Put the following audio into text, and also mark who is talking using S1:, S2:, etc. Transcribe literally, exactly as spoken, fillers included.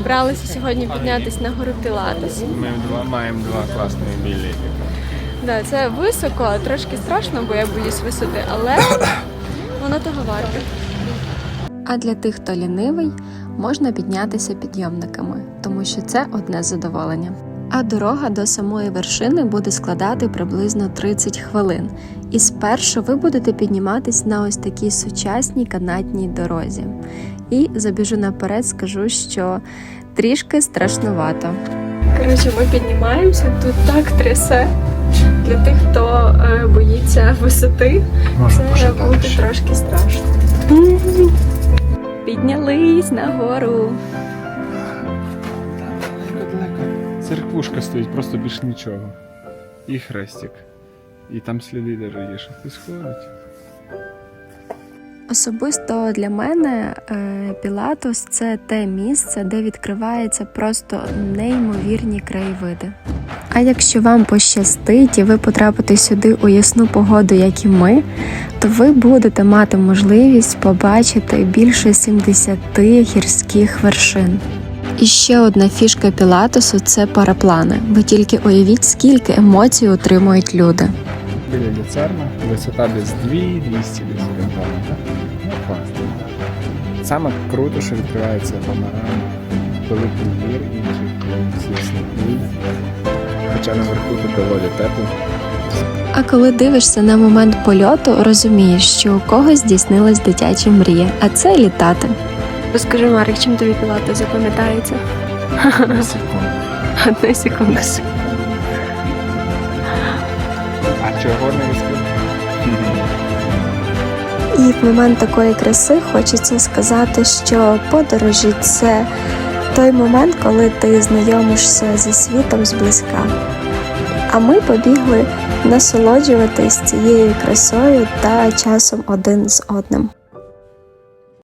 S1: зібралися сьогодні піднятися на гору Пілатес.
S2: Ми два, маємо два класні білети.
S1: Да, це високо, трошки страшно, бо я боюсь висоти, але воно того варте. А для тих, хто лінивий, можна піднятися підйомниками, тому що це одне задоволення. А дорога до самої вершини буде складати приблизно тридцять хвилин. І спершу ви будете підніматись на ось такій сучасній канатній дорозі. І забіжу наперед, скажу, що трішки страшнувато. Коротше, ми піднімаємося, тут так трясе. Для тих, хто е, боїться висоти,
S2: Може,
S1: це буде трошки страшно. Піднялись нагору.
S2: Церквушка стоїть, просто більш нічого. І хрестик. І там сліди даже є, що хтось ходить.
S1: Особисто для мене Пілатес – це те місце, де відкриваються просто неймовірні краєвиди. А якщо вам пощастить і ви потрапите сюди у ясну погоду, як і ми, то ви будете мати можливість побачити більше сімдесяти гірських вершин. І ще одна фішка Пілатесу – це параплани. Ви тільки уявіть, скільки емоцій отримують люди.
S2: Біля люцерна, висота десь дві двісті десь орієнтовно, так? Ну, класно. Саме круто, що відкривається панорама великих гір, інших сніжних. Хоча наверху тут доволі тепло.
S1: А коли дивишся на момент польоту, розумієш, що у когось здійснилась дитяча мрія, а це літати. Розкажи, Марик, чим тобі Пілатес запам'ятається?
S2: На секунду.
S1: Одну секунду.
S2: А чого не розкажу?
S1: І в момент такої краси хочеться сказати, що подорожі – це той момент, коли ти знайомишся зі світом зблизька. А ми побігли насолоджуватись цією красою та часом один з одним.